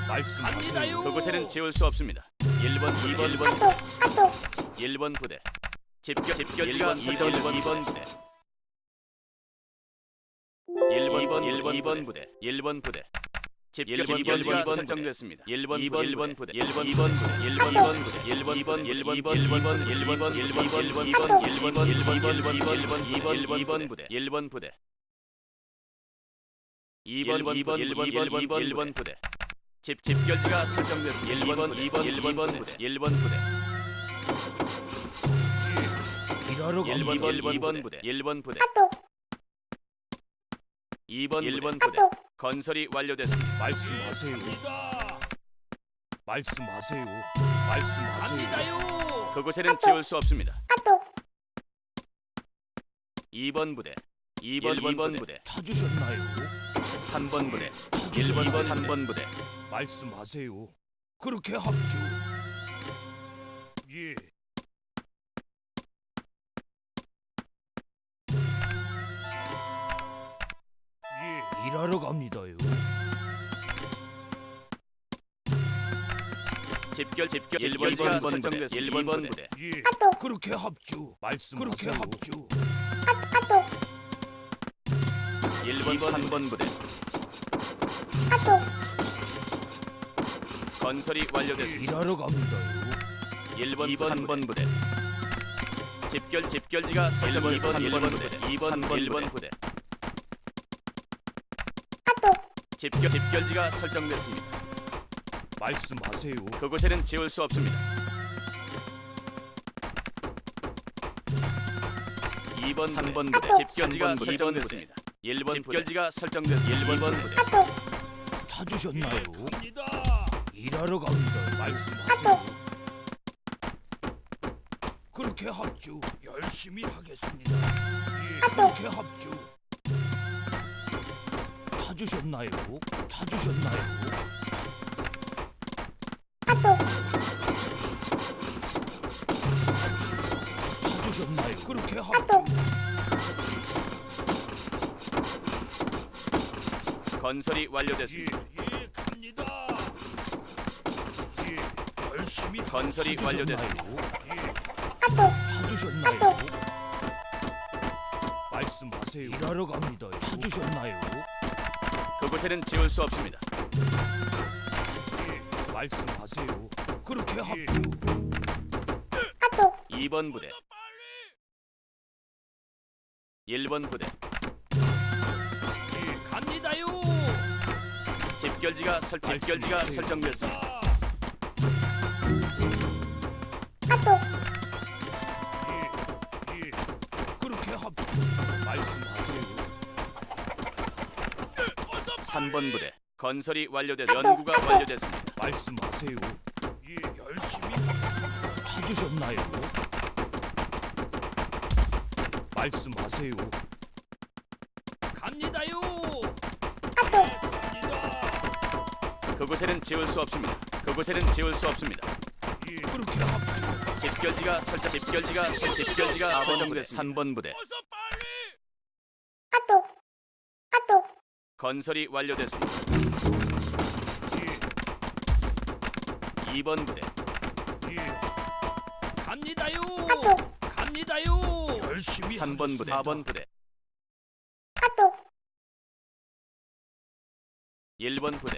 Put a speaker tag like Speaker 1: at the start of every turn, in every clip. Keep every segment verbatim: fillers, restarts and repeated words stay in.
Speaker 1: 말씀하세요.
Speaker 2: 그곳에는 지울 수 없습니다. 일 번, 이 번, 일 번,
Speaker 3: 아또 아또
Speaker 2: 일 번 부대. 집결, 집결지가 설정됐습니다. 이 번 부대. 일 번, 이 번, 일 번, 이 번 부대. 일 번 부대. 집결, 집결지가 설정됐습니다. 일 번, 이 번, 일 번 부대. 일 번, 이 번 부대. 일 번, 이 번 부대. 일 번, 이 번, 일 번, 이 번, 일 번, 일 번, 일 번, 일 번, 일 번, 이 번, 일 번, 일 번, 일 번, 일 번, 일 번, 일 번, 일 번, 이 번 부대. 일 번 부대. 이 번, 이 번, 일 번, 일 번, 이 번, 일 번 부대. 집 집결지가 설정됐습니다. 일 번, 이 번, 일 번 부대. 일 번 부대.
Speaker 1: 일하러
Speaker 2: 일 번,
Speaker 1: 갑니다.
Speaker 2: 일 번 부대. 일 번 부대.
Speaker 3: 아또
Speaker 2: 이 번, 일 번 부대.
Speaker 3: 아또
Speaker 2: 건설이 완료됐습니다.
Speaker 1: 말씀하세요. 말씀하세요. 말씀하세요.
Speaker 2: 그곳에는 지울 수 없습니다.
Speaker 3: 아또
Speaker 2: 이 번 부대. 이 번, 이 번 부대.
Speaker 1: 찾으셨나요?
Speaker 2: 삼 번 부대. 일 번, 이 번, 삼 번 부대.
Speaker 1: 말씀하세요. 그렇게 합주. 예. 예. 일하러 갑니다요.
Speaker 2: 집결, 집결, 일 번, 이 번 설정됐습니다. 일 번 부대.
Speaker 1: 예.
Speaker 3: 아또
Speaker 1: 그렇게 합주. 말씀하세요. 그렇게 합주.
Speaker 3: 아또
Speaker 2: 일 번, 삼 번 부대.
Speaker 3: 아또
Speaker 2: 건설이 완료됐습니다.
Speaker 1: 일하러 갑니다요.
Speaker 2: 일 번, 삼 번 부대. 집결, 집결지가 설정. 일 번, 일 번 부대. 이 번, 일 번 부대.
Speaker 3: 아또
Speaker 2: 집결, 집결지가 설정됐습니다.
Speaker 1: 말씀하세요.
Speaker 2: 그곳에는 지울 수 없습니다. 이 번, 삼 번 부대. 집결지가 설정됐습니다. 일 번 집결지가 설정됐습니다. 일 번 부대.
Speaker 3: 아또
Speaker 1: 찾으셨나요? 일하러 갑니다. 말씀하세요. 그렇게 합주. 열심히 하겠습니다. 예, 그렇게 합주. 찾으셨나요? 찾으셨나요?
Speaker 3: 아또
Speaker 1: 찾으셨나요? 그렇게 합주.
Speaker 2: 건설이
Speaker 1: 예,
Speaker 2: 완료됐습니다.
Speaker 1: 예, 갑니다. 예, 열심히
Speaker 2: 건설이
Speaker 1: 찾으셨나요?
Speaker 2: 완료됐습니다.
Speaker 1: 예,
Speaker 3: 아또
Speaker 1: 찾으셨나요? 말씀하세요. 일하러 갑니다. 찾으셨나요?
Speaker 2: 그곳에는 지울 수 없습니다.
Speaker 1: 예, 말씀하세요. 그렇게 합주.
Speaker 3: 아또
Speaker 2: 이 번 부대. 일 번 부대.
Speaker 1: 예, 갑니다요.
Speaker 2: 집결지가 설 집결지가
Speaker 1: 말씀하세요.
Speaker 2: 설정됐습니다.
Speaker 3: 아또
Speaker 1: 예, 예, 그렇게 합주. 말씀하세요.
Speaker 2: 삼 번 부대. 건설이 완료됐습니다. 연구가 완료됐습니다.
Speaker 1: 말씀하세요. 예, 열심히 하겠습니다. 찾으셨나요? 말씀하세요. 갑니다요.
Speaker 3: 아또
Speaker 1: 갑니다.
Speaker 2: 그곳에는 지울 수 없습니다. 그곳에는 지울 수 없습니다.
Speaker 1: 예, 그렇게 합주.
Speaker 2: 집결지가 설정 집결지가 설 집결지가 설정됐습니다. 삼 번 부대.
Speaker 3: 아또 아또
Speaker 2: 건설이 완료됐습니다.
Speaker 1: 예,
Speaker 2: 이 번 부대.
Speaker 1: 예, 갑니다요.
Speaker 3: 아또
Speaker 1: 갑니다요. 열심히
Speaker 2: 삼 번 부대. 사 번 부대.
Speaker 3: 아또
Speaker 2: 일 번 부대.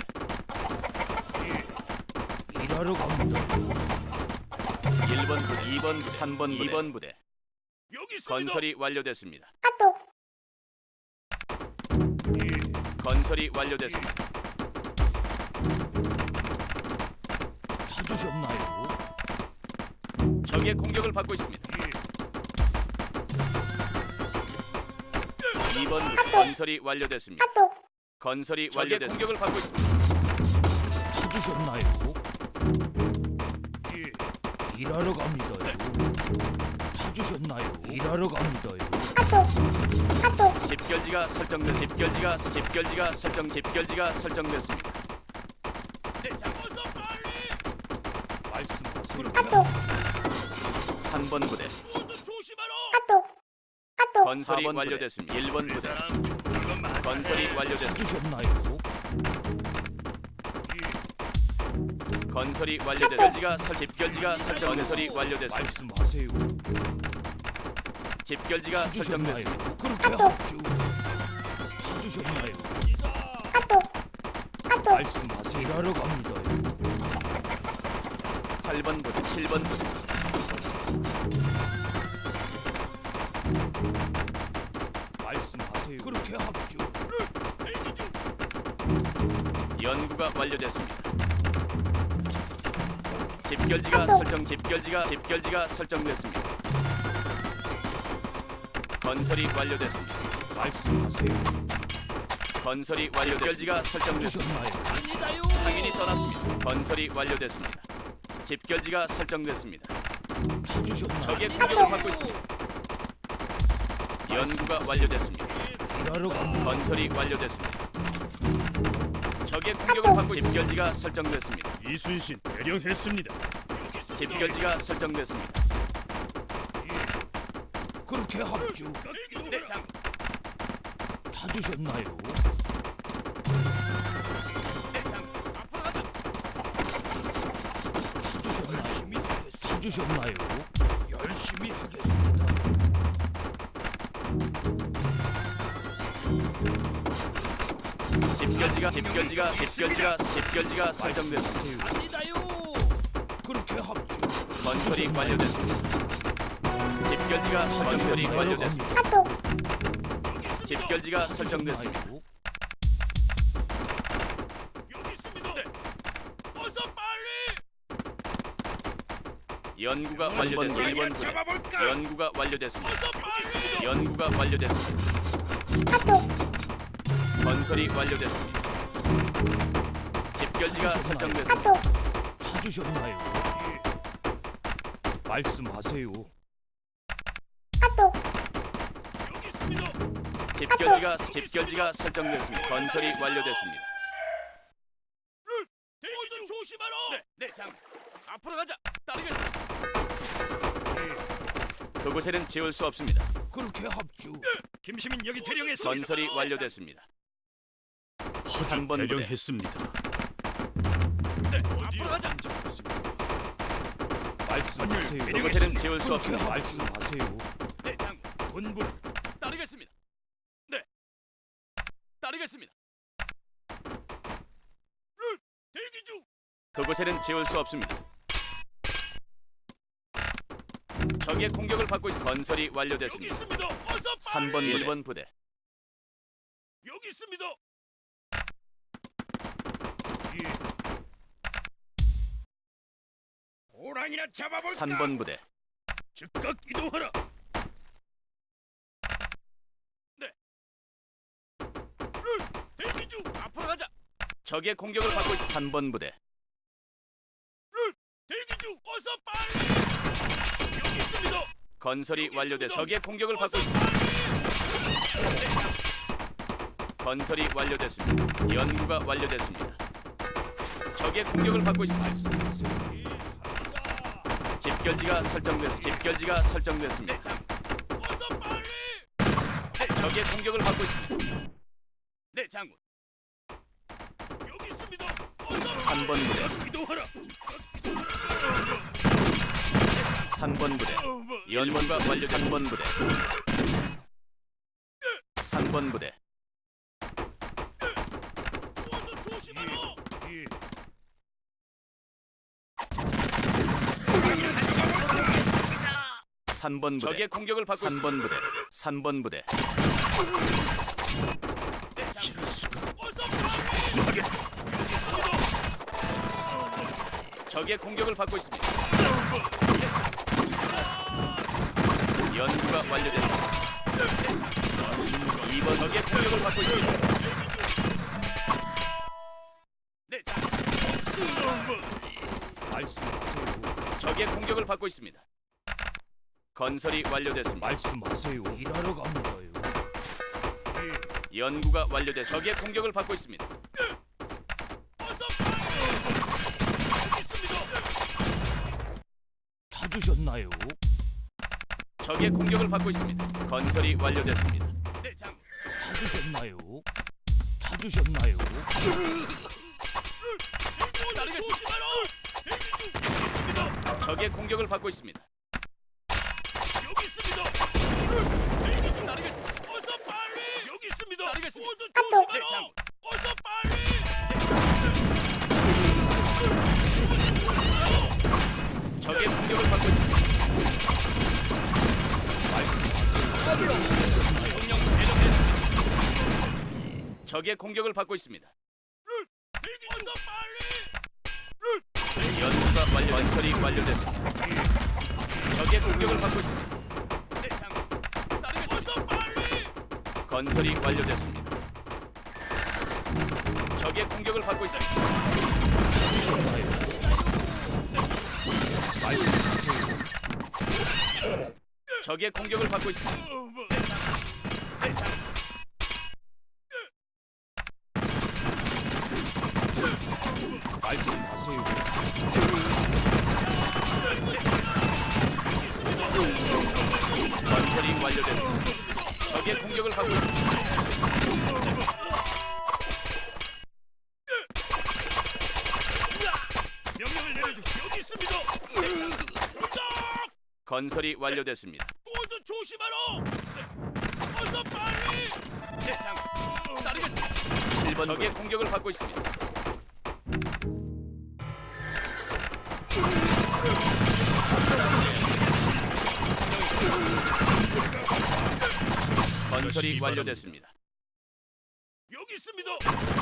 Speaker 1: 예, 일하러 갑니다.
Speaker 2: 일 번 부대. 이 번 부대. 삼 번 부대. 이 번 부대.
Speaker 1: 여기 있습니다.
Speaker 2: 건설이 완료됐습니다.
Speaker 3: 아또
Speaker 1: 예,
Speaker 2: 건설이 완료됐습니다.
Speaker 1: 찾으셨나요?
Speaker 2: 적의 공격을 받고 있습니다. 이 번 부대. 건설이 완료됐습니다.
Speaker 3: 아또
Speaker 2: 건설이 완료됐습니다. 공격을 받고 있습니다.
Speaker 1: 찾으셨나요? 예, 일하러 갑니다요. 찾으셨나요? 일하러 갑니다요.
Speaker 3: 아또 아또
Speaker 2: 집결지가 설정된 집결지가 집결지가 설정 집결지가 설정됐습니다.
Speaker 1: 말씀하세요. 그렇게
Speaker 3: 아또
Speaker 2: 삼 번 부대.
Speaker 3: 아또 아또
Speaker 2: 건설이 완료됐습니다. 일 번 부대. 건설이 완료됐습니다.
Speaker 1: 찾으셨나요?
Speaker 2: 건설이 완료됐습니다. 설 집결지가 설정. 건설이 완료됐습니다.
Speaker 1: 말씀하세요.
Speaker 2: 집결지가 설정됐습니다.
Speaker 1: 찾으셨나요? 그렇게 합주. 찾으셨나요?
Speaker 3: 아또 아또
Speaker 1: 말씀하세요. 일하러 갑니다.
Speaker 2: 팔 번 부대, 칠 번 부대.
Speaker 1: 말씀하세요. 그렇게 합주.
Speaker 2: 연구가 완료됐습니다. 집결지가 설정. 집결지가 집결지가 설정됐습니다. 건설이 완료됐습니다.
Speaker 1: 말씀하세요.
Speaker 2: 건설이 완료됐습니다. 집결지가 설정됐습니다.
Speaker 1: 찾으셨나요?
Speaker 2: 상인이 떠났습니다. 건설이 완료됐습니다. 집결지가 설정됐습니다.
Speaker 1: 찾으셨나요?
Speaker 2: 적의 공격을 받고 있습니다. 연구가 완료됐습니다.
Speaker 1: 일하러 갑니다.
Speaker 2: 건설이 완료됐습니다. 적의 공격을 받고 있습니다. 집결지가 설정됐습니다.
Speaker 1: 이순신 대령했습니다.
Speaker 2: 집결지가 설정됐습니다.
Speaker 1: 그렇게 합주.
Speaker 2: 네, 장.
Speaker 1: 찾으셨나요?
Speaker 2: 네, 장. 앞으로 가자.
Speaker 1: 찾으셨나요? 찾으셨나요? 열심히 하겠습니다.
Speaker 2: 집결지가 집결지가 집결지가 집결지가 설정됐습니다.
Speaker 1: 아니다요. 그렇게 합주.
Speaker 2: 건설이 완료됐습니다. 집결지가 설정설이 완료됐습니다.
Speaker 3: 아또
Speaker 2: 집결지가 설정됐습니다.
Speaker 1: 여기 있습니다. 어서 빨리.
Speaker 2: 연구가 완료됐습니다. 일 번 부대.
Speaker 1: 잡아볼까?
Speaker 2: 연구가 완료됐습니다.
Speaker 1: 어서 빨리.
Speaker 2: 연구가 완료됐습니다.
Speaker 3: 아또
Speaker 2: 건설이 완료됐습니다. 집결지가 설정됐습니다.
Speaker 3: 아또
Speaker 1: 찾으셨나요? 말씀하세요.
Speaker 3: 아또
Speaker 1: 여기 있습니다.
Speaker 2: 집결지가 집결지가 설정됐습니다. 건설이 완료됐습니다.
Speaker 1: 대기 좀 조심하라.
Speaker 2: 네, 네, 장. 앞으로 가자. 따르겠습니다. 그곳에는 지울 수 없습니다.
Speaker 1: 그렇게 합주. 김시민 여기 대령했습니다.
Speaker 2: 건설이 완료됐습니다. 삼 번 부대.
Speaker 1: 대령했습니다.
Speaker 2: 네, 앞으로 가자.
Speaker 1: 말씀하세요.
Speaker 2: 그곳에는 지울 수
Speaker 1: 그렇게
Speaker 2: 없습니다.
Speaker 1: 말씀하세요.
Speaker 2: 네, 장.
Speaker 1: 본부
Speaker 2: 따르겠습니다. 네, 따르겠습니다.
Speaker 1: 대기 중.
Speaker 2: 그곳에는 지울 수 없습니다. 적의 공격을 받고 있어 건설이
Speaker 1: 여기
Speaker 2: 완료됐습니다.
Speaker 1: 있습니다. 어서 빨리.
Speaker 2: 삼 번 일 번 부대.
Speaker 1: 여기 있습니다. 호랑이나 잡아볼까?
Speaker 2: 삼 번 부대.
Speaker 1: 즉각 이동하라.
Speaker 2: 네.
Speaker 1: 대기 중.
Speaker 2: 앞으로 가자. 적의 공격을 받고 있어 삼 번 부대.
Speaker 1: 대기 중. 어서 빨리. 여기 있습니다.
Speaker 2: 건설이
Speaker 1: 여기
Speaker 2: 완료돼
Speaker 1: 있습니다.
Speaker 2: 적의 공격을 받고
Speaker 1: 어서
Speaker 2: 있습니다.
Speaker 1: 빨리.
Speaker 2: 건설이 완료됐습니다. 연구가 완료됐습니다. 적의 공격을 받고 있습니다. 집결지가 설정됐습니다. 집결지가 설정됐습니다.
Speaker 1: 어서 빨리.
Speaker 2: 네, 적의 공격을 받고 있습니다. 네, 장군.
Speaker 1: 여기 있습니다. 어서
Speaker 2: 삼 번 부대.
Speaker 1: 이동하라.
Speaker 2: 삼 번 부대. 연구가 완료. 삼 번 부대. 삼 번 부대.
Speaker 1: 모두 조심하라.
Speaker 2: 삼 번 부대. 적의 공격을 받고 있습니다. 삼 번 부대. 삼 번 부대.
Speaker 1: 이럴 수가. 어서 빨리. 여기 있습니다.
Speaker 2: 적의 공격을 받고 있습니다. 연구가 완료됐습니다. 이 번 적의 공격을 받고 있습니다. 네, 자,
Speaker 1: 말씀하세요.
Speaker 2: 적의 공격을 받고 있습니다. 건설이 완료됐습니다.
Speaker 1: 말씀하세요. 일하러 갑니다요.
Speaker 2: 연구가 완료돼 적의 공격을 받고 있습니다.
Speaker 1: 어서 빨리. 여기 있습니다. 찾으셨나요?
Speaker 2: 적의 공격을 받고 있습니다. 건설이 완료됐습니다. 네, 장.
Speaker 1: 찾으셨나요? 찾으셨나요?
Speaker 2: 따르겠습니다. 적의 공격을 받고 있습니다.
Speaker 1: 여기 있습니다. 대기 중. 따르겠습니다. 어서 빨리. 여기 있습니다. 따르겠습니다. 모두 조심하라. 어서 빨리.
Speaker 2: 적의 공격을 받고 있습니다. 명령 대령했습니다. 적의 공격을 받고 있습니다.
Speaker 1: 대기 중. 어서 빨리.
Speaker 2: 연구가 완료, 건설이 완료됐습니다. 적의 공격을 받고 있습니다.
Speaker 1: 따르겠습니다. 어서 빨리.
Speaker 2: 건설이 완료됐습니다. 적의 공격을 받고 있습니다. 적의 공격을 받고 있습니다.
Speaker 1: 말씀하세요.
Speaker 2: 건설이 완료됐습니다. 적의 공격을 받고 있습니다.
Speaker 1: 명령을 내려주십시오. 여기 있습니다.
Speaker 2: 건설이 완료됐습니다.
Speaker 1: 모두 조심하라. 어서 빨리. 따르겠습니다.
Speaker 2: 칠 번 적의 공격을 받고 있습니다. 건설이 완료됐습니다.
Speaker 1: 여기 있습니다.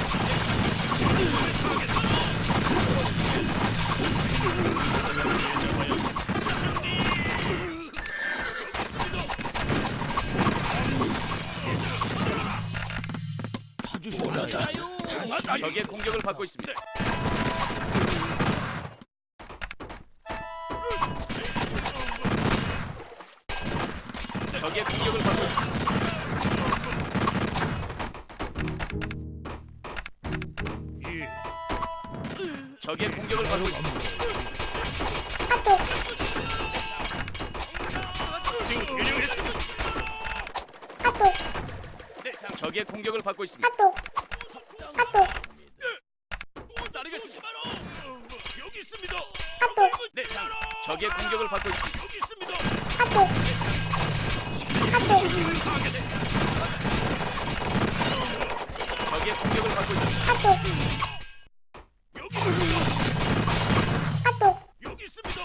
Speaker 1: 찾으셨나요?
Speaker 2: 적의 공격을 받고 있습니다. 적의 공격을 받고 있습니다. 적의 공격을 받고 있습니다.
Speaker 3: 아또
Speaker 1: 지금 대령했습니다.
Speaker 3: 아또
Speaker 2: 적의 공격을 받고 있습니다.
Speaker 3: 아또 아또
Speaker 1: 따르겠습니다. 여기 있습니다.
Speaker 3: 아또
Speaker 2: 네, 적의 공격을 받고 있습니다.
Speaker 1: 여기 있습니다.
Speaker 3: 아또 아또
Speaker 2: 적의 공격을 받고 있습니다.
Speaker 3: 아또
Speaker 1: 여기 있습니다.
Speaker 3: 아또
Speaker 1: 여기 있습니다.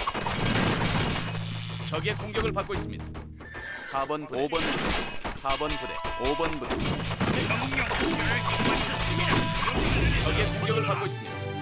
Speaker 2: 적의 공격을 받고 있습니다. 사 번, 오 번 부대, 사 번 부대, 오 번 부대. 적의 공격을 받고 있습니다.